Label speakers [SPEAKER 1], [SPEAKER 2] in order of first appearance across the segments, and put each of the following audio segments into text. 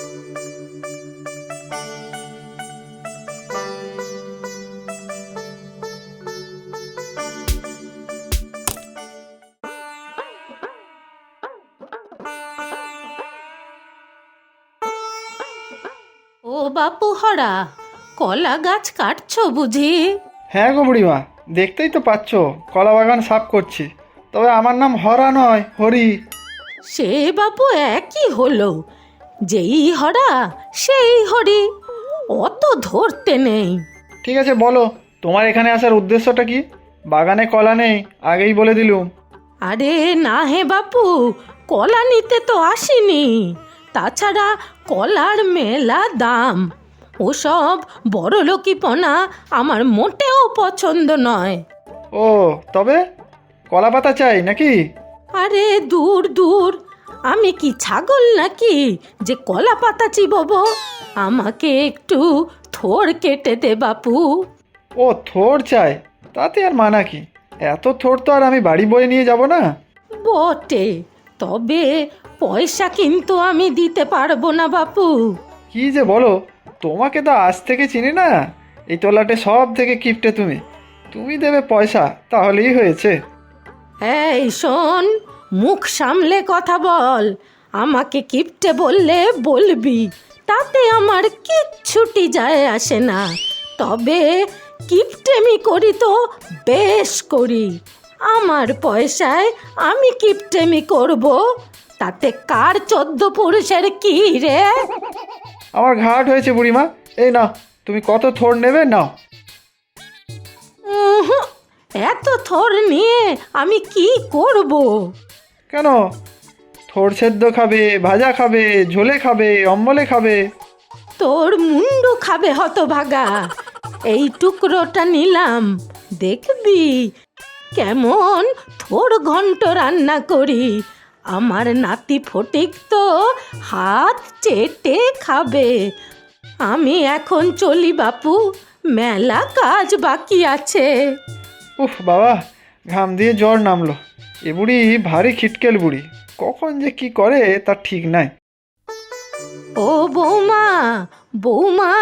[SPEAKER 1] ও বাপু হরা, কলা গাছ কাটছো বুঝি?
[SPEAKER 2] হ্যাঁ গো বুড়িমা, দেখতেই তো পাচ্ছ কলা বাগান সাফ করছি। তবে আমার নাম হরা নয়, হরি।
[SPEAKER 1] সে বাপু একই হলো, যেই হরা সেই হরি, অত ধরতে নেই।
[SPEAKER 2] ঠিক আছে, বলো তোমার এখানে আসার উদ্দেশ্যটা কি? বাগানে কলা নেই, আগেই বলে দিলুম।
[SPEAKER 1] আরে না হে বাপু, কলা নিতে তো আসিনি। তাছাড়া কলার মেলা দাম, ওসব বড়লোকিপনা আমার মোটেও পছন্দ নয়।
[SPEAKER 2] ও, তবে কলা পাতা চাই নাকি?
[SPEAKER 1] আরে দূর দূর, আমি কি ছাগল নাকি যে কলা পাতা চিববো? আমাকে একটু থোড় কেটে দে বাপু।
[SPEAKER 2] ও, থোড় চাই? তাতে আর মানা কি? এত থোড় তো আর আমি বাড়ি বয়ে নিয়ে যাব না।
[SPEAKER 1] বটে, তবে পয়সা কিন্তু আমি দিতে পারবো না বাপু।
[SPEAKER 2] কি যে বলো, তোমাকে তো আজ থেকে চিনি না। এই তলাটে সব থেকে কিপটে তুমি। তুমি দেবে পয়সা, তাহলেই হয়েছে।
[SPEAKER 1] এই শোন, মুখ সামলে কথা বল। আমাকে কিপটে বললে বলবি, তাতে আমার কিচ্ছুটি যায় আসে না। তবে কিপটেমি করি তো বেশ করি। আমার পয়সায় আমি কিপটেমি করব, তাতে কার 14 পুরুষের কি রে?
[SPEAKER 2] আমার ঘাট হয়েছে বুড়িমা। এই নাও, তুমি কত থোড় নেবে নাও।
[SPEAKER 1] উহুঁ, এত থর নিয়ে আমি কি করব?
[SPEAKER 2] কেন? থোড় সেদ্ধ খাবে, ভাজা খাবে, ঝোলে খাবে, অম্বলে খাবে?
[SPEAKER 1] তোর মুন্ডু খাবে হতভাগা। এই টুকরোটা নিলাম, দেখবি কেমন থোড় ঘন্ট রান্না করি। আমার নাতি ফটিক তো হাত চেটে খাবে। আমি এখন চলি বাপু, মেলা কাজ বাকি আছে।
[SPEAKER 2] উফ বাবা, ঘাম দিয়ে জ্বর নামলো। এ বুড়ি ভারী খিটকেল বুড়ি, কখন যে কি করে তার ঠিক নাই।
[SPEAKER 1] ও বৌমা, বৌমা।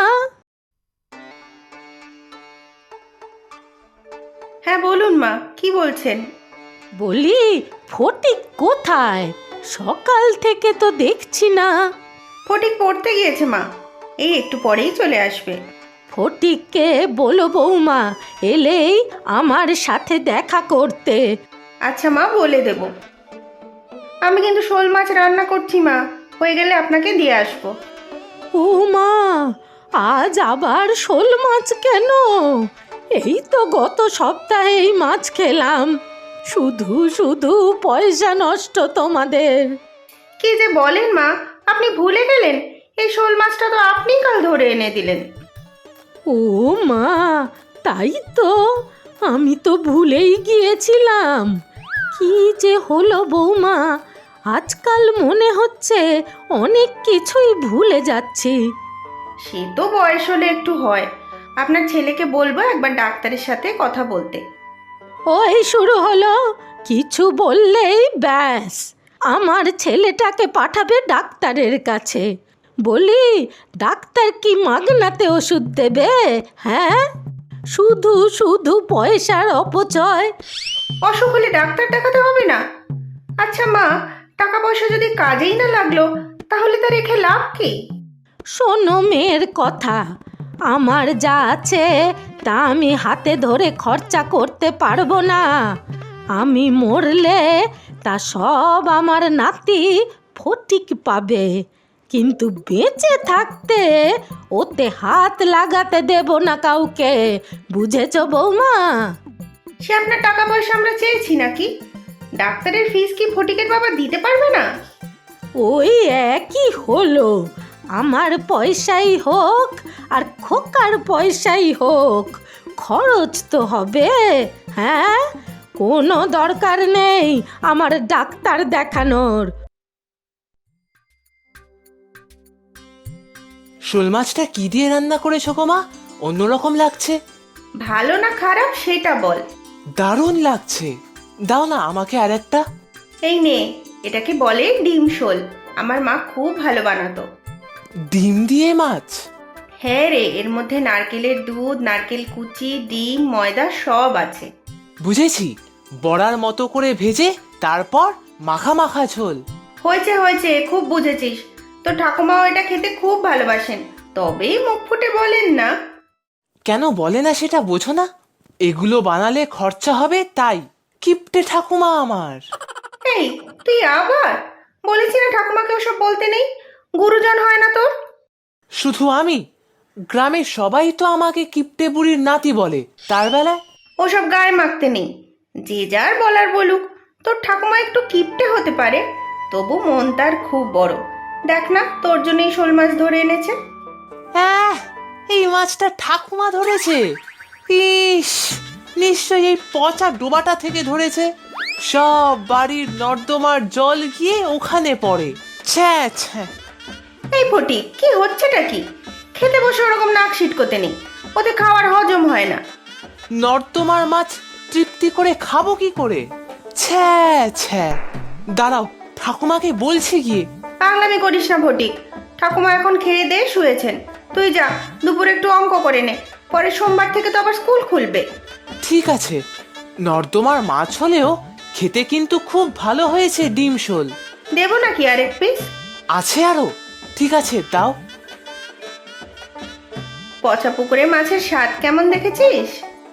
[SPEAKER 3] হ্যাঁ বলুন মা, কি বলছেন?
[SPEAKER 1] বলি, ফটিক কোথায়? সকাল থেকে তো দেখছি না।
[SPEAKER 3] ফটিক পড়তে গিয়েছে মা, এই একটু পরেই চলে আসবে।
[SPEAKER 1] ফটিককে বলো বৌমা এলেই আমার সাথে দেখা করতে।
[SPEAKER 3] আচ্ছা মা, বলে দেব। আমি কিন্তু শোল মাছ রান্না করছি মা, হয়ে গেলে আপনাকে দিয়ে আসবো।
[SPEAKER 1] ও মা, আজ আবার শোল মাছ কেন? এই তো গত সপ্তাহে এই মাছ খেলাম। শুধু শুধু পয়সা নষ্ট তোমাদের।
[SPEAKER 3] কি যে বলেন মা, আপনি ভুলে গেলেন এই শোল মাছটা তো আপনিই কাল ধরে এনে দিলেন।
[SPEAKER 1] ও মা, তাই তো, আমি তো ভুলেই গিয়েছিলাম। কি যে হলো বৌমা, আজকাল মনে হচ্ছে অনেক কিছুই ভুলে যাচ্ছি।
[SPEAKER 3] সে তো বয়স হলে একটু হয়। আপনার ছেলেকে বলবো একবার ডাক্তারের সাথে কথা বলতে।
[SPEAKER 1] ওই শুরু হলো, কিছু বললেই ব্যাস আমার ছেলেটাকে পাঠাবে ডাক্তারের কাছে। বলি, ডাক্তার কি মাগনাতে ওষুধ দেবে? হ্যাঁ, শুধু শুধু পয়সার অপচয়।
[SPEAKER 3] অসুখ হলে ডাক্তার দেখাতে হবে না? আচ্ছা মা, টাকা পয়সা যদি কাজেই না লাগলো, তাহলে তা রেখে লাভ কি?
[SPEAKER 1] শোনো মেয়ের কথা, আমার যা আছে তা আমি হাতে ধরে খরচা করতে পারবো না। আমি মরলে তা সব আমার নাতি ফটিক পাবে, কিন্তু বেঁচে থাকতে ওতে হাত লাগাতে দেব না কাউকে। বুঝেছো বৌমা?
[SPEAKER 3] সে আপনার টাকা পয়সা আমরা চেয়েছি নাকি? ডাক্তারের ফিস কি ফটিকের বাবা দিতে পারবে না?
[SPEAKER 1] ওই একই হলো, আমার পয়সাই হোক আর খোকার পয়সাই হোক, খরচ তো হবে। হ্যাঁ, কোনো দরকার নেই আমার ডাক্তার দেখানোর।
[SPEAKER 4] শোল মাছটা কি দিয়ে রান্না করেছো গো মা? অন্যরকম লাগছে।
[SPEAKER 3] ভালো না খারাপ সেটা বল।
[SPEAKER 4] দারুণ লাগছে, দাও না আমাকে আর একটা।
[SPEAKER 3] এই নে, এটাকে বলে ডিম শোল। আমার মা খুব ভালো বানাতো।
[SPEAKER 4] ডিম দিয়ে মাছ?
[SPEAKER 3] হ্যাঁ রে, এর মধ্যে নারকেলের দুধ, নারকেল কুচি, ডিম, ময়দা সব আছে।
[SPEAKER 4] বুঝেছি, বড়ার মতো করে ভেজে তারপর মাখা মাখা ঝোল।
[SPEAKER 3] হয়েছে হয়েছে, খুব বুঝেছিস। তো ঠাকুমাও এটা খেতে খুব ভালোবাসেন, তবেই মুখ ফুটে বলেন না।
[SPEAKER 4] কেন বলে না সেটা বোঝো না? এগুলো বানালে খরচা হবে তাই। কিপটে ঠাকুমা আমার।
[SPEAKER 3] এই, তুই আবার বলেছি না ঠাকুমাকে ওসব বলতে নেই, গুরুজন হয় না তোর।
[SPEAKER 4] শুধু আমি? গ্রামের সবাই তো আমাকে কিপটে বুড়ির নাতি বলে, তার বেলায়?
[SPEAKER 3] ওসব গায়ে মাখতে নেই, যে যার বলার বলুক। তোর ঠাকুমা একটু কিপটে হতে পারে, তবু মন তার খুব বড়। দেখ না, তোর জন্যই শোল মাছ ধরে এনেছে।
[SPEAKER 4] হ্যাঁ, এই মাছটা ঠাকুমা ধরেছে? ইস, নিশ্চয়ই এই পচা ডোবাটা থেকে ধরেছে। সব বাড়ির নর্দমার জল গিয়ে ওখানে পড়ে। ছ্যা ছ্যা।
[SPEAKER 3] এই ফটিক, কি হচ্ছেটা কি? খেতে বসে ওরকম নাক সিটকোতে নেই, ওতে খাওয়ার হজম হয় না।
[SPEAKER 4] নর্দমার মাছ তৃপ্তি করে খাবো কি করে? ছ্যা ছ্যা। দাঁড়াও, ঠাকুমাকে বলছি গিয়ে।
[SPEAKER 3] পাগলামি করিস না ফটিক, ঠাকুমা এখন খেয়ে দিয়ে শুয়েছেন। তুই যা, দুপুরে একটু অঙ্ক করে নে, পরে সোমবার থেকে তো আবার স্কুল খুলবে।
[SPEAKER 4] ঠিক আছে, নর্দমার মাছ হলেও খেতে কিন্তু খুব ভালো হয়েছে ডিম শোল।
[SPEAKER 3] দেবো নাকি আর এক পিস?
[SPEAKER 4] আছে আরো? ঠিক আছে, দাও।
[SPEAKER 3] পচা পুকুরে মাছের স্বাদ কেমন দেখেছিস?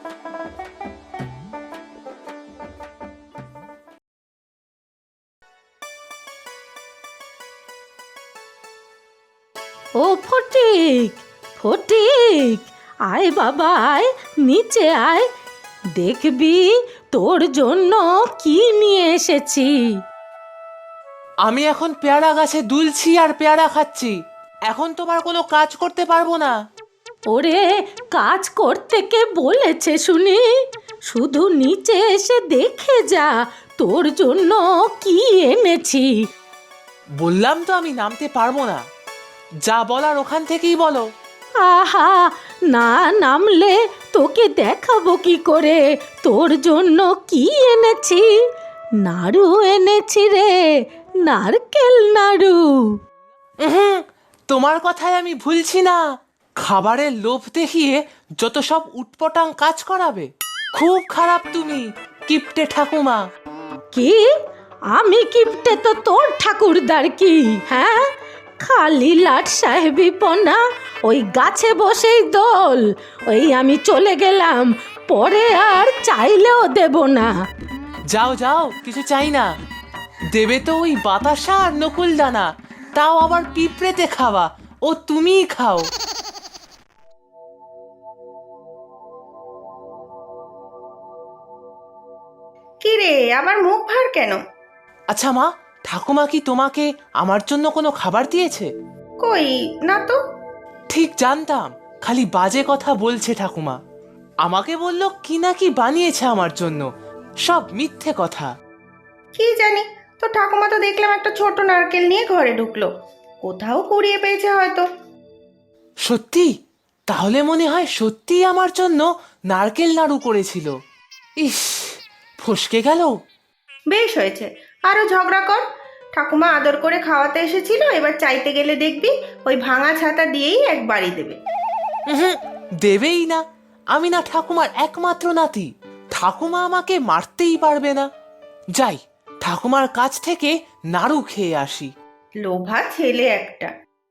[SPEAKER 1] ও ফটিক, ফটিক, আয় বাবা আয়, নিচে আয়, দেখবি তোর জন্য কি নিয়ে এসেছি।
[SPEAKER 4] আমি এখন পেয়ারা গাছে দুলছি আর পেয়ারা খাচ্ছি। এখন তোমার কোনো কাজ করতে পারবো না।
[SPEAKER 1] ওরে, কাজ করতে কে বলেছে শুনি? শুধু নিচে এসে দেখে যা তোর জন্য কি এনেছি।
[SPEAKER 4] বললাম তো আমি নামতে পারবো না। যা বলার ওখান থেকেই বলো।
[SPEAKER 1] আহা, না নামলে তোকে দেখাবো কি করে তোর জন্য কি এনেছি। নাড়ু এনেছি রে, নারকেল নাড়ু।
[SPEAKER 4] উহুম, তোমার কথায় আমি ভুলছি না। খাবারের লোভ দেখিয়ে যত সব উটপটাং কাজ করাবে। খুব খারাপ তুমি, কিপটে ঠাকুমা।
[SPEAKER 1] কি? আমি কিপটে তো তোর ঠাকুরদার কি? হ্যাঁ, খালি লাট সাহেবি পনা, ওই গাছে বসেই দোল। ওই আমি চলে গেলাম, পরে আর চাইলেও দেব না।
[SPEAKER 4] যাও যাও, কিছু চাই না। দেবে তো ওই বাতাসা আর নকুল দানা, তাও আবার পিঁপড়েতে খাওয়া। ও তুমিই খাও।
[SPEAKER 3] কি রে, আবার মুখ ভার কেন?
[SPEAKER 4] আচ্ছা মা, ঠাকুমা কি তোমাকে আমার জন্য কোনো খাবার দিয়েছে?
[SPEAKER 3] কই না তো।
[SPEAKER 4] ঠিক জানতাম, খালি বাজে কথা বলছে ঠাকুমা। আমাকে বলল কি না কি বানিয়েছে আমার জন্য। সব মিথ্যে কথা।
[SPEAKER 3] কি জানি, তো ঠাকুমা তো দেখলাম একটা ছোট নারকেল নিয়ে ঘরে ঢুকলো, কোথাও কুড়িয়ে পেয়েছে হয়তো।
[SPEAKER 4] সত্যি? তাহলে মনে হয় সত্যিই আমার জন্য নারকেল নাড়ু করেছিল। ইস, ফসকে গেল।
[SPEAKER 3] বেশ হয়েছে, আরো ঝগড়া কর। ঠাকুমা আদর করে খাওয়াতে এসেছিল, এবার চাইতে গেলে দেখবি ওই ভাঙা ছাতা দিয়েই এক বাড়ি দেবে।
[SPEAKER 4] উহুম, দেবেই না। আমি না ঠাকুমার একমাত্র নাতি। ঠাকুমা আমাকে মারতেই পারবে না। যাই, ঠাকুমার কাছ থেকে নাড়ু খেয়ে আসি।
[SPEAKER 3] লোভা ছেলে একটা।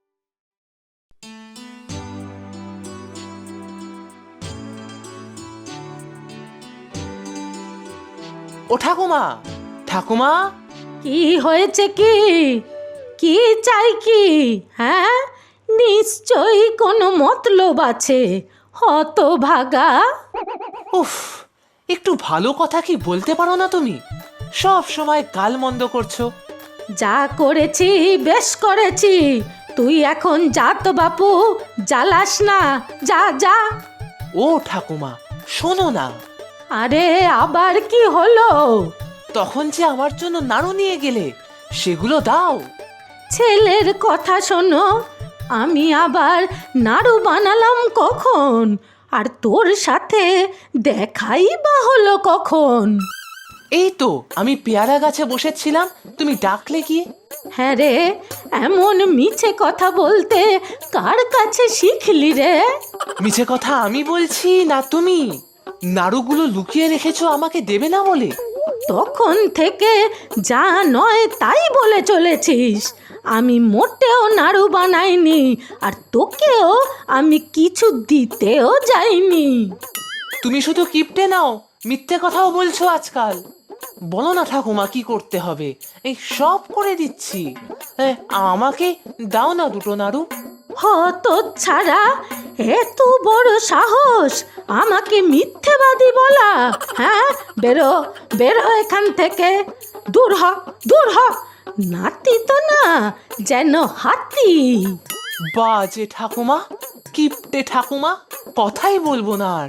[SPEAKER 4] ও ঠাকুমা, ঠাকুমা।
[SPEAKER 1] কি হয়েছে কি? কি চাই কি? হ্যাঁ, নিশ্চয়ই কোনো মতলব আছে, হতভাগা।
[SPEAKER 4] উফ, একটু ভালো কথা কি বলতে পারো না তুমি? সব সময় গাল মন্দ করছো।
[SPEAKER 1] যা করেছি বেশ করেছি, তুই এখন যা তো বাপু, জ্বালাস না, যা যা।
[SPEAKER 4] ও ঠাকুমা, শোনো না।
[SPEAKER 1] আরে আবার কি হলো?
[SPEAKER 4] তখন যে আমার জন্য নাড়ু নিয়ে গেলে, সেগুলো দাও।
[SPEAKER 1] ছেলের কথা শোনো, আমি আবার নাড়ু বানালাম কখন? আর তোর সাথে দেখাই বা হলো কখন?
[SPEAKER 4] এই তো আমি পেয়ারা গাছে বসেছিলাম, তুমি ডাকলে কি?
[SPEAKER 1] হ্যাঁ রে, এমন মিছে কথা বলতে কার কাছে শিখলি রে?
[SPEAKER 4] মিছে কথা আমি বলছি না তুমি? নাড়ুগুলো লুকিয়ে রেখেছো আমাকে দেবে না বলে?
[SPEAKER 1] তখন থেকে যা নয় তাই বলে চলেছিস। আমি মোটেও নাড়ু বানাইনি, আর তোকেও আমি কিছু দিতেও যাইনি।
[SPEAKER 4] তুমি শুধু কিপটে নাও, মিথ্যে কথাও বলছো আজকাল। বলো না ঠাকুমা কি করতে হবে, এই সব করে দিচ্ছি। আমাকে দাও না দুটো নাড়ু।
[SPEAKER 1] হত ছাড়া, এত বড় সাহস আমাকে মিথ্যেবাদী বলা? হ্যাঁ, বেরো বেরো এখান থেকে, দূর হ, দূর হ। নাতি তো না, যেন হাতি।
[SPEAKER 4] বাজে ঠাকুমা, কিপটে ঠাকুমা, কথাই বলবো না আর।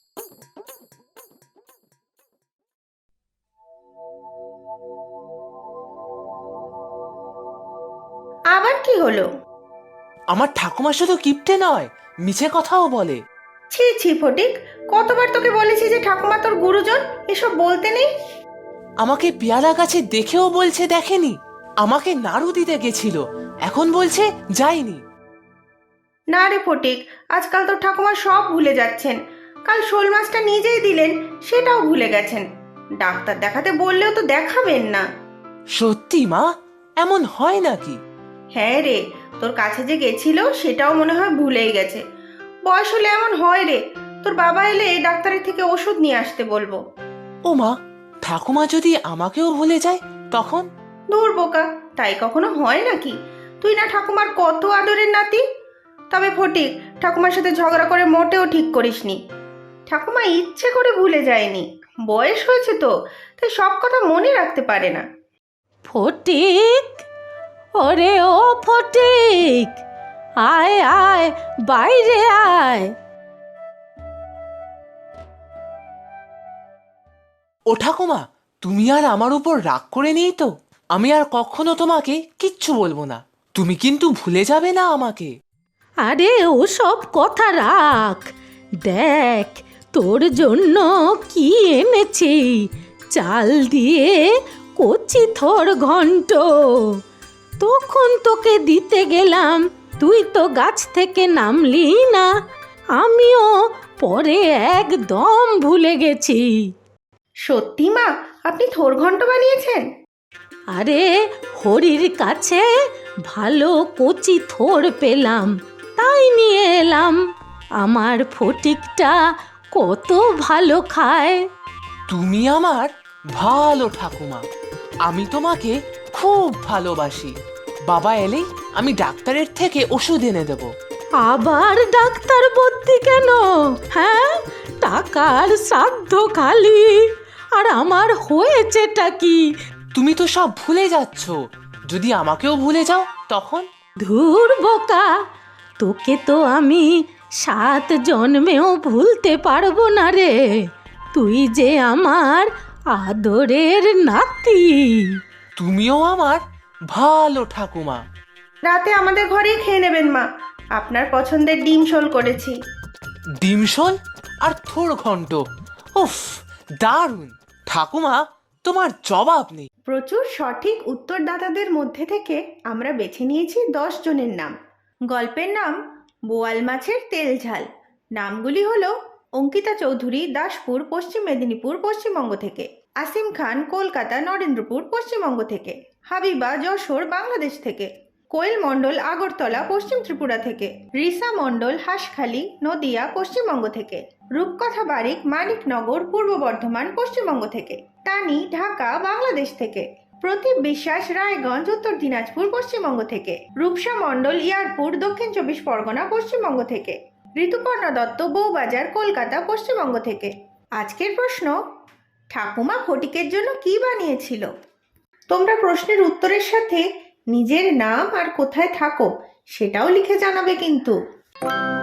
[SPEAKER 3] আবার কি হলো?
[SPEAKER 4] আমার ঠাকুমা শুধু কিপটে নয়, মিছে কথাও বলে।
[SPEAKER 3] ছি ছি ফটিক, কতবার তোকে বলেছি যে ঠাকুমা তোর গুরুজন, এসব বলতে নেই।
[SPEAKER 4] আমাকে পেয়ারা গাছে দেখেও বলছে দেখেনি। আমাকে নাড়ু দিতে গেছিল, এখন বলছে যায়নি।
[SPEAKER 3] না রে ফটিক, আজকাল তোর ঠাকুমা সব ভুলে যাচ্ছেন। কাল শোল মাছটা নিজেই দিলেন, সেটাও ভুলে গেছেন। ডাক্তার দেখাতে বললেও তো দেখাবেন না।
[SPEAKER 4] সত্যি মা, এমন হয় নাকি?
[SPEAKER 3] হ্যাঁ রে, তোর কাছে যে গেছিল সেটাও মনে হয় ভুলেই গেছে। বয়স হলে এমন হয় রে। তোর বাবা এলে ডাক্তারের থেকে ওষুধ নিয়ে আসতে বলবো।
[SPEAKER 4] ও মা, ঠাকুমা যদি আমাকেও ভুলে যায় তখন?
[SPEAKER 3] দূর বোকা, তাই কখনো হয় নাকি? তুই না ঠাকুমার কত আদরের নাতি। তবে ফটিক, ঠাকুমার সাথে ঝগড়া করে মোটেও ঠিক করিসনি। ঠাকুমা ইচ্ছে করে ভুলে যায়নি, বয়স হয়েছে তো, তাই সব কথা মনে রাখতে পারে না।
[SPEAKER 1] ফটিক, ওরে ও ফটিক, আয় আয়, বাইরে আয়।
[SPEAKER 4] ও ঠাকুমা, তুমি আর আমার উপর রাগ করে নেই তো? আমি আর কখনো তোমাকে কিচ্ছু বলবো না, তুমি কিন্তু ভুলে যাবে না আমাকে।
[SPEAKER 1] আরে ওসব কথা রাখ, দেখ তোর জন্য কি এনেছি। চাল দিয়ে কচি থোর ঘন্ট। তখন তোকে দিতে গেলাম, তুই তো গাছ থেকে নামলি না। আমিও পরে একদম ভুলে গেছি।
[SPEAKER 3] সত্যি মা, আপনি থোর ঘন্ট বানিয়েছেন?
[SPEAKER 1] আরে হরির কাছে ভালো কচি থোর পেলাম, তাই নিয়ে এলাম। আমার ফটিকটা কত ভালো খায়।
[SPEAKER 4] তুমি আমার ভালো ঠাকুমা, আমি তোমাকে খুব ভালোবাসি। বাবা এলেই আমি ডাক্তারের থেকে ওষুধ এনে দেব।
[SPEAKER 1] আবার ডাক্তার ভর্তি কেন? হ্যাঁ, টাকার সাধ্য খালি। আর আমার হয়েছেটা কি?
[SPEAKER 4] তুমি তো সব ভুলে যাচ্ছ, যদি আমাকেও ভুলে যাও তখন?
[SPEAKER 1] ধুর বোকা, তোকে তো আমি 7 জন্মেও ভুলতে পারবো না রে। তুই যে আমার আদরের নাতি।
[SPEAKER 4] তুমিও আমার ভালো ঠাকুমা।
[SPEAKER 3] রাতে আমাদের ঘরেই খেয়ে নেবেন মা, আপনার পছন্দের ডিম শোল করেছি।
[SPEAKER 4] ডিমশোল আর থোড় ঘন্ট, উফ, দারুণ! ঠাকুমা, তোমার জবাব নেই।
[SPEAKER 3] প্রচুর সঠিক উত্তরদাতাদের মধ্যে থেকে আমরা বেছে নিয়েছি 10 জনের নাম। গল্পের নাম বোয়াল মাছের তেল ঝাল। নামগুলি হলো অঙ্কিতা চৌধুরী, দাসপুর, পশ্চিম মেদিনীপুর, পশ্চিমবঙ্গ থেকে। আসিম খান, কলকাতা, নরেন্দ্রপুর, পশ্চিমবঙ্গ থেকে। হাবিবা, যশোর, বাংলাদেশ থেকে। কোয়েল মণ্ডল, আগরতলা, পশ্চিম ত্রিপুরা থেকে। রিসা মণ্ডল, হাঁসখালি, নদিয়া, পশ্চিমবঙ্গ থেকে। রূপকথা বারিক, মানিকনগর, পূর্ব বর্ধমান, পশ্চিমবঙ্গ থেকে। তানি, ঢাকা, বাংলাদেশ থেকে। প্রদীপ বিশ্বাস, রায়গঞ্জ, উত্তর দিনাজপুর, পশ্চিমবঙ্গ থেকে। রূপসা মণ্ডল, ইয়ারপুর, দক্ষিণ 24 পরগনা, পশ্চিমবঙ্গ থেকে। ঋতুপর্ণা দত্ত, বউবাজার, কলকাতা, পশ্চিমবঙ্গ থেকে। আজকের প্রশ্ন, ঠাকুমা ফটিকের জন্য কি বানিয়েছিল? তোমরা প্রশ্নের উত্তরের সাথে নিজের নাম আর কোথায় থাকো সেটাও লিখে জানাবে কিন্তু।